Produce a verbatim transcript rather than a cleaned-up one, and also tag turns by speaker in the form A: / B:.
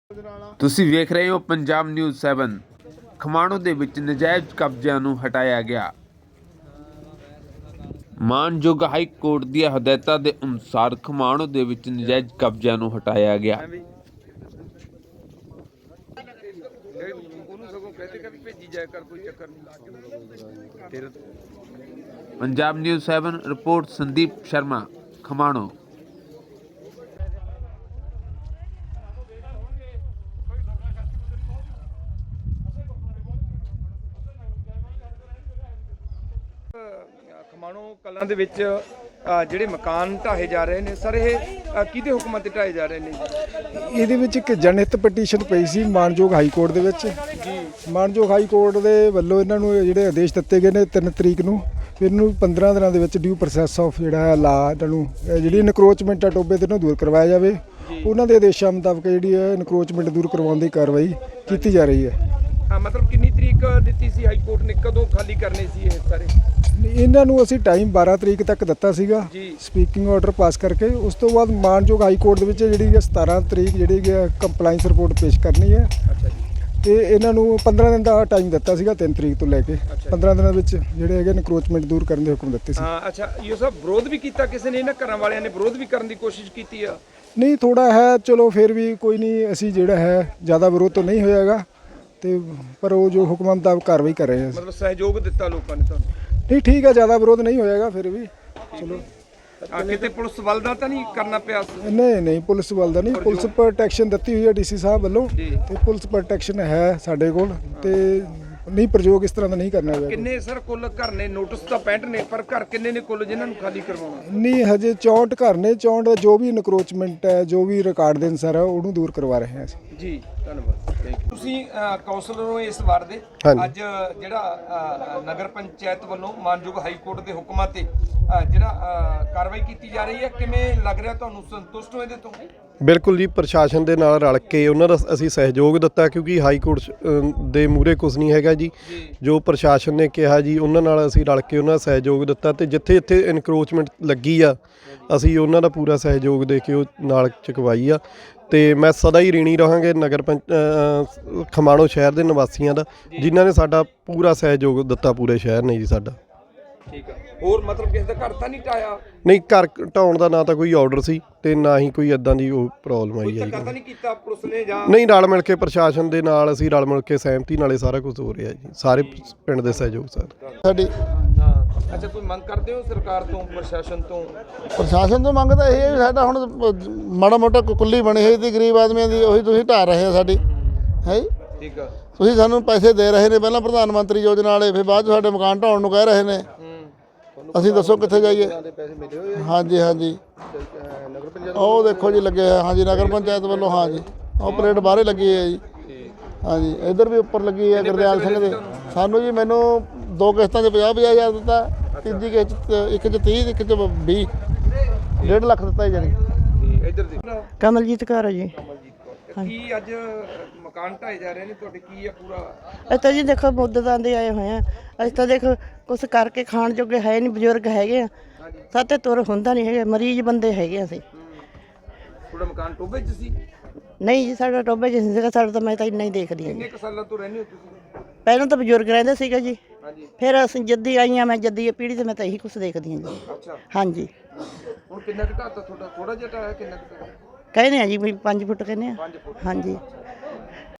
A: ਤੁਸੀਂ ਵੇਖ ਰਹੇ ਹੋ ਪੰਜਾਬ ਨਿਊਜ਼ ਸੈਵਨ। ਖਮਾਣੋ ਦੇ ਵਿੱਚ ਨਜਾਇਜ਼ ਕਬਜ਼ਿਆਂ ਨੂੰ ਹਟਾਇਆ ਗਿਆ। ਮਾਨਯੋਗ ਹਾਈ ਕੋਰਟ ਦੀਆਂ ਹਦਾਇਤਾਂ ਦੇ ਅਨੁਸਾਰ ਖਮਾਣੋ ਦੇ ਵਿੱਚ ਨਜਾਇਜ਼ ਕਬਜ਼ਿਆਂ ਨੂੰ ਹਟਾਇਆ ਗਿਆ। Punjab news seven report Sandeep Sharma, Khamano.
B: Khamano Kalan ਦੇ ਵਿੱਚ ਜਿਹੜੇ ਮਕਾਨ ਢਾਹੇ ਜਾ ਰਹੇ ਨੇ ਸਰ, ਇਹ ਕਿਹਦੇ ਹੁਕਮਾਂ ਤੇ ਢਾਹੇ ਜਾ ਰਹੇ ਨੇ?
C: ਇਹਦੇ ਵਿੱਚ ਇੱਕ ਜਨਹਿਤ ਪਟੀਸ਼ਨ ਪਈ ਸੀ ਮਾਨਯੋਗ ਹਾਈ ਕੋਰਟ ਦੇ ਵਿੱਚ ਜੀ। ਮਾਨਯੋਗ ਹਾਈ ਕੋਰਟ ਦੇ ਵੱਲੋਂ ਇਹਨਾਂ ਨੂੰ ਜਿਹੜੇ ਆਦੇਸ਼ ਦਿੱਤੇ ਗਏ ਨੇ ਤਿੰਨ ਤਰੀਕ ਨੂੰ, ਇਹਨੂੰ ਪੰਦਰਾਂ ਦਿਨਾਂ ਦੇ ਵਿੱਚ ਡਿਊ ਪ੍ਰੋਸੈਸ ਆਫ ਜਿਹੜਾ ਹੈ ਲਾ ਇਹਨਾਂ ਨੂੰ ਜਿਹੜੀ ਇਨਕਰੋਚਮੈਂਟ ਆ ਟੋਬੇ ਤੇ ਇਹਨੂੰ ਦੂਰ ਕਰਵਾਇਆ ਜਾਵੇ। ਉਹਨਾਂ ਦੇ ਆਦੇਸ਼ਾਂ ਮੁਤਾਬਕ ਜਿਹੜੀ ਹੈ ਇਨਕਰੋਚਮੈਂਟ ਦੂਰ ਕਰਵਾਉਣ ਦੀ ਕਾਰਵਾਈ ਕੀਤੀ ਜਾ ਰਹੀ ਹੈ।
B: ਮਤਲਬ ਕਿੰਨੀ ਤਰੀਕ ਦਿੱਤੀ ਸੀ ਹਾਈ ਕੋਰਟ ਨੇ, ਕਦੋਂ ਖਾਲੀ ਕਰਨੇ ਸੀ ਇਹ ਸਾਰੇ?
C: ਇਹਨਾਂ ਨੂੰ ਅਸੀਂ ਟਾਈਮ ਬਾਰਾਂ ਤਰੀਕ ਤੱਕ ਦਿੱਤਾ ਸੀਗਾ ਸਪੀਕਿੰਗ ਆਰਡਰ ਪਾਸ ਕਰਕੇ। ਉਸ ਤੋਂ ਬਾਅਦ ਮਾਨਯੋਗ ਹਾਈ ਕੋਰਟ ਦੇ ਵਿੱਚ ਜਿਹੜੀ ਹੈ ਸਤਾਰਾਂ ਤਰੀਕ ਜਿਹੜੀ ਕੰਪਲਾਈਂਸ ਰਿਪੋਰਟ ਪੇਸ਼ ਕਰਨੀ ਹੈ ਤੇ ਇਹਨਾਂ ਨੂੰ ਪੰਦਰਾਂ ਦਿਨ ਦਾ ਟਾਈਮ ਦਿੱਤਾ ਸੀਗਾ, ਤਿੰਨ ਤਰੀਕ ਤੋਂ ਲੈ ਕੇ ਪੰਦਰਾਂ ਦਿਨਾਂ ਵਿੱਚ ਜਿਹੜੇ ਹੈਗੇ ਇਨਕਰੋਚਮੈਂਟ ਦੂਰ ਕਰਨ ਦੇ ਹੁਕਮ ਦਿੱਤੇ ਸੀ।
B: ਅੱਛਾ, ਇਹ ਸਭ ਵਿਰੋਧ ਵੀ ਕੀਤਾ ਕਿਸੇ ਨੇ? ਇਹਨਾਂ ਘਰਾਂ ਵਾਲਿਆਂ ਨੇ ਵਿਰੋਧ ਵੀ ਕਰਨ ਦੀ ਕੋਸ਼ਿਸ਼ ਕੀਤੀ ਆ?
C: ਨਹੀਂ, ਥੋੜਾ ਹੈ, ਚਲੋ ਫਿਰ ਵੀ ਕੋਈ ਨਹੀਂ, ਅਸੀਂ ਜਿਹੜਾ ਹੈ ਜ਼ਿਆਦਾ ਵਿਰੋਧ ਤਾਂ ਨਹੀਂ ਹੋਇਆਗਾ ਤੇ ਪਰ ਉਹ ਜੋ ਹੁਕਮਾਂ ਮੁਤਾਬਕ ਕਾਰਵਾਈ ਕਰ ਰਹੇ ਹਾਂ।
B: ਮਤਲਬ ਸਹਿਯੋਗ ਦਿੱਤਾ ਲੋਕਾਂ ਨੇ ਤੁਹਾਨੂੰ?
C: ਨਹੀਂ, ਠੀਕ ਹੈ, ਜ਼ਿਆਦਾ ਵਿਰੋਧ ਨਹੀਂ ਹੋਇਆਗਾ ਫਿਰ ਵੀ। ਚਲੋ
B: ਕਿਤੇ ਪੁਲਿਸ ਵੱਲ ਦਾ ਤਾਂ ਨਹੀਂ ਕਰਨਾ ਪਿਆ?
C: ਨਹੀਂ ਨਹੀਂ, ਪੁਲਿਸ ਵੱਲ ਦਾ ਨਹੀਂ, ਪੁਲਿਸ ਪ੍ਰੋਟੈਕਸ਼ਨ ਦਿੱਤੀ ਹੋਈ ਹੈ ਡੀਸੀ ਸਾਹਿਬ ਵੱਲੋਂ ਤੇ ਪੁਲਿਸ ਪ੍ਰੋਟੈਕਸ਼ਨ ਹੈ ਸਾਡੇ ਕੋਲ ਤੇ ਨਹੀਂ, ਪ੍ਰਯੋਗ ਇਸ ਤਰ੍ਹਾਂ ਦਾ ਨਹੀਂ ਕਰਨਾ ਪਿਆ।
B: ਕਿੰਨੇ ਸਰ ਕੁੱਲ ਘਰ ਨੇ? ਨੋਟਿਸ ਤਾਂ ਪੈਂਹਠ ਨੇ, ਪਰ ਘਰ ਕਿੰਨੇ ਨੇ ਕੁੱਲ ਜਿਨ੍ਹਾਂ ਨੂੰ ਖਾਲੀ ਕਰਵਾਉਣਾ?
C: ਨਹੀਂ, ਹਜੇ ਚੌਂਹਠ ਘਰ ਨੇ। ਚੌਂਹਠ ਦਾ ਜੋ ਵੀ ਇਨਕਰੋਚਮੈਂਟ ਹੈ, ਜੋ ਵੀ ਰਿਕਾਰਡ ਦੇ ਅਨੁਸਾਰ ਹੈ, ਉਹਨੂੰ ਦੂਰ ਕਰਵਾ ਰਹੇ ਹਾਂ ਅਸੀਂ
B: ਜੀ। ਧੰਨਵਾਦ। ਤੁਸੀਂ ਕਾਉਂਸਲਰ ਹੋ ਇਸ ਵਾਰ ਦੇ। ਅੱਜ ਜਿਹੜਾ ਨਗਰ ਪੰਚਾਇਤ ਵੱਲੋਂ ਮਾਨਯੋਗ ਹਾਈ ਕੋਰਟ ਦੇ ਹੁਕਮਾਂ ਤੇ ਜਿਹੜਾ ਕਾਰਵਾਈ ਕੀਤੀ ਜਾ ਰਹੀ ਹੈ, ਕਿਵੇਂ ਲੱਗ ਰਿਹਾ ਤੁਹਾਨੂੰ? ਸੰਤੁਸ਼ਟ ਹੋ ਇਹਦੇ ਤੋਂ?
D: ਬਿਲਕੁਲ ਜੀ, ਪ੍ਰਸ਼ਾਸਨ ਦੇ ਨਾਲ ਰਲ ਕੇ ਉਹਨਾਂ ਦਾ ਅਸੀਂ ਸਹਿਯੋਗ ਦਿੱਤਾ ਕਿਉਂਕਿ ਹਾਈ ਕੋਰਟ ਦੇ ਮੂਹਰੇ ਕੁਝ ਨਹੀਂ ਹੈਗਾ ਜੀ। ਜੋ ਪ੍ਰਸ਼ਾਸਨ ਨੇ ਕਿਹਾ ਜੀ ਉਹਨਾਂ ਨਾਲ ਅਸੀਂ ਰਲ ਕੇ ਉਹਨਾਂ ਦਾ ਸਹਿਯੋਗ ਦਿੱਤਾ ਤੇ ਜਿੱਥੇ ਜਿੱਥੇ ਇਨਕਰੋਚਮੈਂਟ ਲੱਗੀ ਆ ਅਸੀਂ ਉਹਨਾਂ ਦਾ ਪੂਰਾ ਸਹਿਯੋਗ ਦੇ ਕੇ ਉਹ ਨਾਲ ਚੁਕਵਾਈ ਆ। ਤੇ ਮੈਂ ਸਦਾ ਹੀ ঋਣੀ ਰਹਾਂਗੇ ਨਗਰ ਪੰਚ ਖਮਾਣੋ ਸ਼ਹਿਰ ਦੇ ਨਿਵਾਸੀਆਂ ਦਾ, ਜਿਨ੍ਹਾਂ ਨੇ ਸਾਡਾ ਪੂਰਾ ਸਹਿਯੋਗ ਦਿੱਤਾ, ਪੂਰੇ ਸ਼ਹਿਰ ਨੇ ਜੀ ਸਾਡਾ।
B: ਠੀਕ ਆ। ਹੋਰ ਮਤਲਬ ਕਿਸੇ ਦਾ ਘਰ ਤਾਂ ਨਹੀਂ ਢਾਇਆ?
D: ਨਹੀਂ, ਘਰ ਢਾਉਣ ਦਾ ਨਾ ਤਾਂ ਕੋਈ ਆਰਡਰ ਸੀ ਤੇ ਨਾ ਹੀ ਕੋਈ ਇਦਾਂ ਦੀ ਉਹ ਪ੍ਰੋਬਲਮ ਆਈ ਹੈ।
B: ਧੱਕਾ ਤਾਂ ਨਹੀਂ ਕੀਤਾ ਪੁਲਿਸ ਨੇ ਜਾਂ?
D: ਨਹੀਂ, ਰਲ ਮਿਲ ਕੇ ਪ੍ਰਸ਼ਾਸਨ ਦੇ ਨਾਲ ਅਸੀਂ ਰਲ ਮਿਲ ਕੇ ਸਹਿਮਤੀ ਨਾਲੇ ਸਾਰਾ ਕੁਝ ਹੋ ਰਿਹਾ ਜੀ, ਸਾਰੇ ਪਿੰਡ ਦੇ ਸਹਿਯੋਗ ਸਰ
C: ਸਾਡੀ।
B: ਅੱਛਾ, ਕੋਈ ਮੰਗ ਕਰਦੇ ਹੋ ਸਰਕਾਰ ਤੋਂ, ਪ੍ਰਸ਼ਾਸਨ ਤੋਂ?
E: ਪ੍ਰਸ਼ਾਸਨ ਤੋਂ ਮੰਗ ਤਾਂ ਇਹ ਹੈ ਵੀ ਸਾਡਾ ਹੁਣ ਮਾੜਾ ਮੋਟਾ ਕੁੱਲੀ ਬਣੀ ਹੋਈ ਸੀ ਗਰੀਬ ਆਦਮੀਆਂ ਦੀ, ਉਹੀ ਤੁਸੀਂ ਢਾਹ ਰਹੇ ਆ ਸਾਡੀ ਹੈ। ਠੀਕ ਆ। ਤੁਸੀਂ ਸਾਨੂੰ ਪੈਸੇ ਦੇ ਰਹੇ ਨੇ, ਪਹਿਲਾਂ ਪ੍ਰਧਾਨ ਮੰਤਰੀ ਯੋਜਨਾ ਵਾਲੇ, ਫਿਰ ਬਾਅਦ 'ਚ ਸਾਡੇ ਮਕਾਨ ਢਾਉਣ ਨੂੰ ਕਹਿ ਰਹੇ ਨੇ। ਅਸੀਂ ਦੱਸੋ ਕਿੱਥੇ ਜਾਈਏ? ਹਾਂਜੀ ਹਾਂਜੀ, ਉਹ ਦੇਖੋ ਜੀ ਲੱਗੇ ਹੋਇਆ। ਹਾਂਜੀ, ਨਗਰ ਪੰਚਾਇਤ ਵੱਲੋਂ। ਹਾਂਜੀ, ਉਹ ਪਲੇਟ ਬਾਹਰੇ ਲੱਗੀ ਹੈ ਜੀ। ਹਾਂਜੀ, ਇੱਧਰ ਵੀ ਉੱਪਰ ਲੱਗੀ ਹੈ ਗੁਰਦਿਆਲ ਸਿੰਘ ਦੇ। ਸਾਨੂੰ ਜੀ ਮੈਨੂੰ ਦੋ ਕਿਸ਼ਤਾਂ 'ਚ ਪੰਜਾਹ ਪੰਜਾਹ ਹਜ਼ਾਰ ਦਿੱਤਾ, ਤੀਜੀ ਕਿਸ਼ਤ ਇੱਕ 'ਚ ਤੀਹ, ਇੱਕ 'ਚ ਵੀਹ, ਡੇਢ ਲੱਖ ਦਿੱਤਾ ਜੀ। ਜਾਣੀ
B: ਇੱਧਰ ਦੇ
F: ਕਮਲਜੀਤ ਕੌਰ ਹੈ ਜੀ।
B: ਕੀ ਅੱਜ ਮਕਾਨ ਢਾਏ ਜਾ ਰਹੇ ਨੇ ਤੁਹਾਡੇ, ਕੀ ਆ ਪੂਰਾ?
F: ਅਸੀਂ ਤਾਂ ਜੀ ਦੇਖੋ ਮੁੱਦਤਾਂ ਦੇ ਆਏ ਹੋਏ ਆ। ਅਸੀਂ ਤਾਂ ਦੇਖੋ ਕੁਛ ਕਰਕੇ ਖਾਣ ਜੋਗੇ ਹੈ ਨਹੀਂ, ਬਜ਼ੁਰਗ ਹੈਗੇ ਆ, ਸਾਤੇ ਤੁਰ ਹੁੰਦਾ ਨਹੀਂ ਹੈਗੇ, ਮਰੀਜ਼ ਬੰਦੇ ਹੈਗੇ ਅਸੀਂ।
B: ਤੁਹਾਡਾ ਮਕਾਨ ਟੋਬੇ 'ਚ ਸੀ?
F: ਨਹੀਂ ਜੀ, ਸਾਡਾ ਟੋਬੇ 'ਚ ਨਹੀਂ ਸੀਗਾ। ਸਾਡਾ ਤਾਂ ਮੈਂ ਤਾਂ ਇੰਨਾ ਹੀ ਦੇਖਦੀ ਹਾਂ।
B: ਕਿੰਨੇ ਕੁ ਸਾਲਾਂ ਤੋਂ ਰਹਿੰਦੇ ਹੋ ਤੁਸੀਂ?
F: ਪਹਿਲਾਂ ਤਾਂ ਬਜ਼ੁਰਗ ਰਹਿੰਦੇ ਸੀਗੇ ਜੀ, ਫਿਰ ਅਸੀਂ ਜੱਦੀ ਆਈਆਂ, ਮੈਂ ਜੱਦੀ ਪੀੜ੍ਹੀ ਤੇ ਮੈਂ ਤਾਂ ਇਹੀ ਕੁਛ ਦੇਖਦੀ ਹਾਂ ਜੀ।
B: ਅੱਛਾ, ਹਾਂਜੀ। ਹੁਣ ਕਿੰਨਾ ਘਟਾ ਤਾ ਤੁਹਾਡਾ? ਥੋੜਾ ਜਿਹਾ ਢਾਇਆ? ਕਿੰਨਾ ਕੁ?
F: ਕਹਿੰਦੇ ਆ ਜੀ ਵੀ ਪੰਜ ਫੁੱਟ ਕਹਿੰਦੇ ਆ। ਹਾਂਜੀ।